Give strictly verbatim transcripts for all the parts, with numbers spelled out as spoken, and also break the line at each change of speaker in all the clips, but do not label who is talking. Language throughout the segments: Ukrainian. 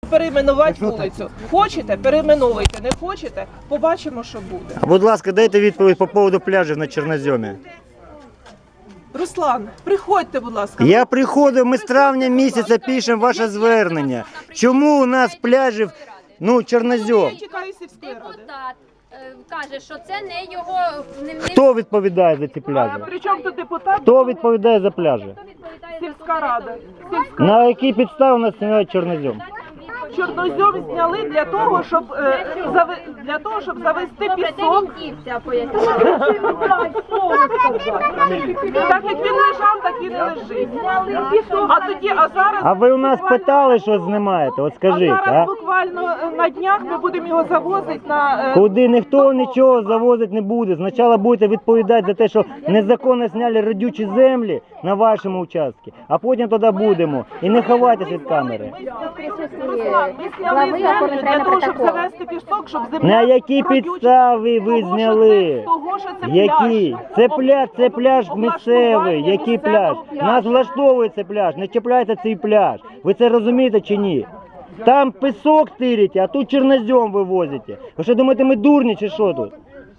перейменувати вулицю. Хочете, перейменовуйте, не хочете, побачимо, що буде.
Будь ласка, дайте відповідь по поводу пляжів на Чорноземі.
Руслан, приходьте, будь ласка.
Я приходив, ми з травня місяця пишемо ваше звернення. Чому у нас пляжів, ну, Чорнозем?
Я чекаю сільської ради.
Депутат е, каже, що це не його... Не, не...
Хто відповідає за ці пляжі?
А при чому тут депутат?
Хто відповідає за пляжі?
Хто відповідає
Сільська рада. Сільська.
На якій підставі у нас знімають Чорнозем?
Чорнозем зняли для того, щоб е, зави... для того, щоб завести пісок. Так як він лежав, так і не лежить. А тоді, а зараз.
А ви у нас
буквально-
питали, що знімаєте? От
А
скажіть,
зараз
а?
буквально е, на днях ми будемо його завозити на. е,
Куди ніхто нічого завозити не буде. Спочатку будете відповідати за те, що незаконно зняли родючі землі на вашому участку, а потім тоді будемо. І не ховайтеся від камери.
Руслан, ми зняли землю для того, щоб завести пісок, щоб земля.
На якій
родюча.
підставі ви
Того, що
зняли?
це- Того, що це
Який?
пляж.
Це пляж, це пляж місцевий.
Облаштування
Який пляж?
місцевого пляжу.
Нас влаштовує цей пляж. Не чіпляйте цей пляж. Ви це розумієте чи ні? Там пісок тирите, а тут чорнозем вивозите. Ви що думаєте, ми дурні чи що тут?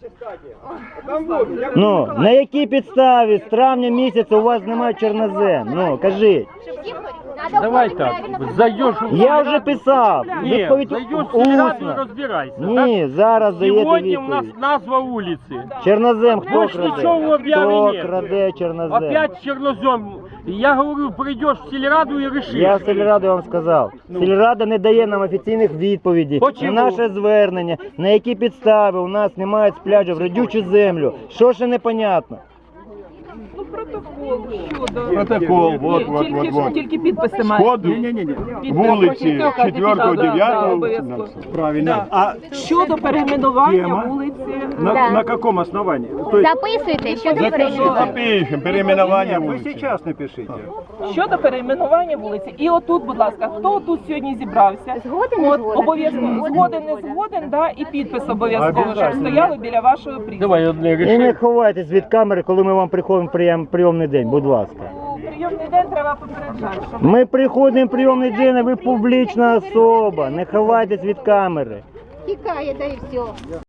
Ну, на якій підставі з травня місяця у вас немає чорнозем? Ну, кажіть.
Давай так, зайдешь в
Я вже писав.
Нет,
Відповідь
зайдешь в Сельраду и
усно.
разбирайся.
Ні, зараз
так?
даєте
Сегодня у нас
відповідь.
назва улицы.
Чорнозем хто
Больше ничего в
краде?
объяве
Хто
нет.
краде чорнозем?
Опять чернозем. Я говорю, придешь в Сельраду и решишь.
Я в сільраду вам сказав. Сільрада не дає нам офіційних відповідей
Почему?
на наше звернення, на які підстави у нас немає з пляжів родючу землю. Що ще непонятно?
Ну, протокол щодо.
Протокол, вот,
Ні,
вот,
тільки,
вот, вот.
тільки підписи мають.
Ходу вулиці четвертого дев'ятого. Правильно. А
Щодо перейменування
Тема.
вулиці.
на, на каком основании? То есть
Записуйте, що ви
запишем переименование
Вы
улицы.
сейчас напишите.
Щодо перейменування вулиці. І отут, будь ласка, хто тут сьогодні зібрався?
Згоден, не
От,
згоден?
обов'язково згоден, не згоден, да, і підпис обов'язково, щоб стояли біля вашого прізвища.
Давай одне
І не
решим.
ховайтесь від камери, коли ми вам приходимо в прийом, прийомний день, будь ласка.
У прийомний день треба попереджати, що
Ми приходимо в прийомний день, а ви публічна особа. Не ховайтесь від камери.
Тікає, да і все.